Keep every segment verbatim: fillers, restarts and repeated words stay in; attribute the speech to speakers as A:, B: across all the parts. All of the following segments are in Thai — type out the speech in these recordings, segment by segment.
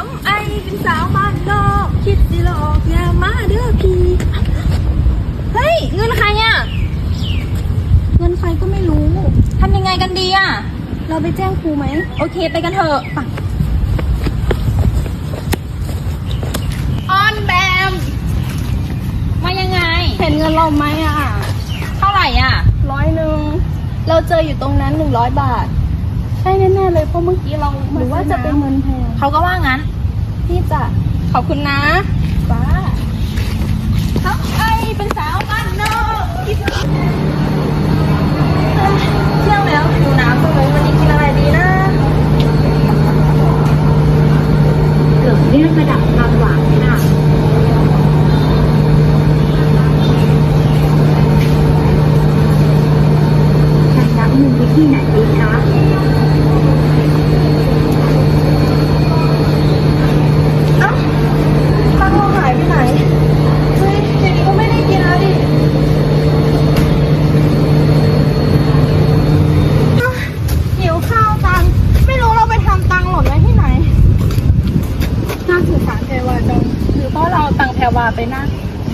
A: ำไอเป็นสาวบ้านนอกคิดสิหลอกอย่ามาเด้อพี่เฮ้ยเงินใครอ่ะเงินใครก็ไม่รู้ทำยังไงกันดีอ่ะเราไปแจ้งครูไหมโอเคไปกันเถอะออนแบมมายังไงเห็นเงินเราไหมอ่ะเท่าไหร่อ่ะร้อยหนึ่งเราเจออยู่ตรงนั้นหนึ่งร้อยบาทใช่แน่ๆเลยเพราะเมื่อกี้เราหรือว่าจะเป็นเงินแพงเขาก็ว่างั้นพี่จะขอบคุณนะป้าทับไอเป็นสาวบ้านนอกเที่ยงแล้วหิวน้ำเลยวันนี้กินอะไรดีนะ
B: เกิดเรื่องประดับความหวานค่ะใช้รับมือวิธีไหนดีคะ
A: เอ้าตังค์เราหายไปไหนเฮ้ยทีนี้ก็ไม่ได้กินแล้วดิหิวข้าวตังไม่รู้เราไปทำตังหล่นไว้ที่ไหนน่าสงสารแพรวาจังหรือเพราะเราเอาตังแพรวาไปนะ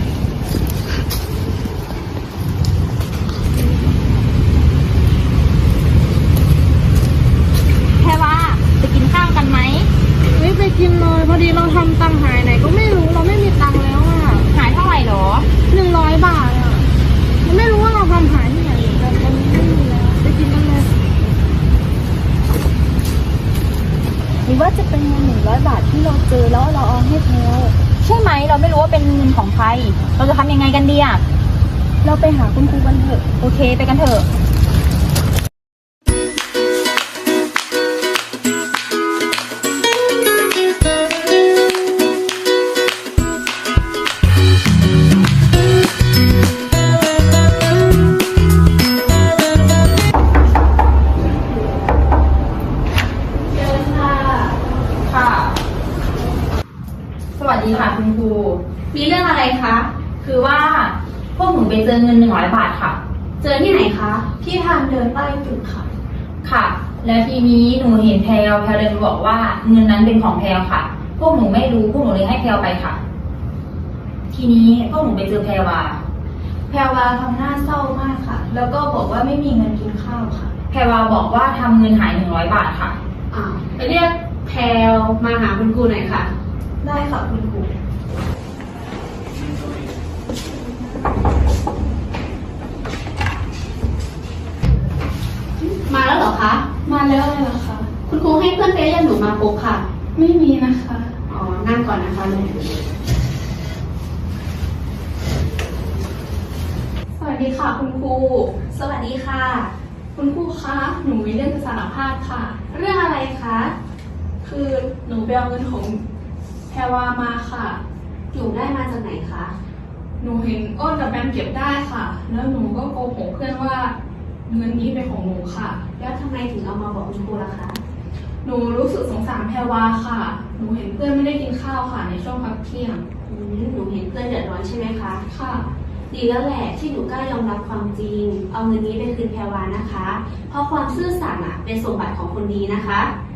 A: แพรวาไปกินข้าวกันไหมไม่ไปกินเลยพอดีเราทำตังหายไหนก็ไม่รู้เราไม่มีตังแล้วอ่ะหายเท่าไหร่หรอหนึ่งร้อยบาทอ่ะไม่รู้ว่าเราทำหายที่ไหนแต่ตอนนี้ไม่มีแล้วไปกินกันเลยหรือว่าจะเป็นเงินหนึ่งร้อยบาทที่เราเจอแล้วเราเอาให้แพลวใช่ไหมเราไม่รู้ว่าเป็นเงินของใครเราจะทำยังไงกันดีอ่ะเราไปหาคุณครูกันเถอะโอเคไปกันเถอะ
C: สวัสดีค่ะคุณครูมีเรื่องอะไรคะคือว่าพวกหนูไปเจอเงินหนึ่งร้อยบาทค่ะเจอที่ไหนคะที่ทางเดินใต้ตึกค่ะค่ะแล้วทีนี้หนูเห็นแพลวแพลวเดินบอกว่าเงินนั้นเป็นของแพลวค่ะพวกหนูไม่รู้พวกหนูเลยให้แพลวไปค่ะทีนี้พวกหนูไปเจอแพลวาแพลวาทำหน้าเศร้ามากค่ะแล้วก็บอกว่าไม่มีเงินกินข้าวค่ะแพลวาบอกว่าทำเงินหายหนึ่งร้อยบาทค่ะ
D: อ้าวไปเรียกแพลวมาหาคุณครูหน่อยค่ะ
C: ได้ค่ะคุณครู
D: มาแล้วเหรอคะ
A: มาแล้วเลยเหรอคะ
D: คุณครูให้เพื่อนไปเรียกหนูมาพบค่ะ
A: ไม่มีนะคะ
D: อ๋อนั่งก่อนนะคะลุงสวัสดีค่ะคุณครู
C: สวัสดีค่ะ
D: คุณครูคะหนูมีเรื่องจะสารภาพค่ะ
C: เรื่องอะไรคะ
D: คือหนูไปเอาเงินของแพรวามาค่ะ
C: หนูได้มาจากไหนคะ
D: หนูเห็นอ้นกับแบมเก็บได้ค่ะแล้วหนูก็โกหกเพื่อนว่าเงินนี้เป็นของหนูค่ะ
C: แล้วทำไมถึงเอามาบอกคุณครูล่ะคะ
D: หนูรู้สึกสงสารแพรวาค่ะหนูเห็นเพื่อนไม่ได้กินข้าวค่ะในช่วงพักเที่ยง
C: หนูเห็นเพื่อนเดือดร้อนใช่ไหมคะ
D: ค่ะ
C: ดีแล้วแหละที่หนูกล้ายอมรับความจริงเอาเงินนี้ไปคืนแพรวานะคะเพราะความซื่อสัตย์เป็นสมบัติของคนดีนะคะ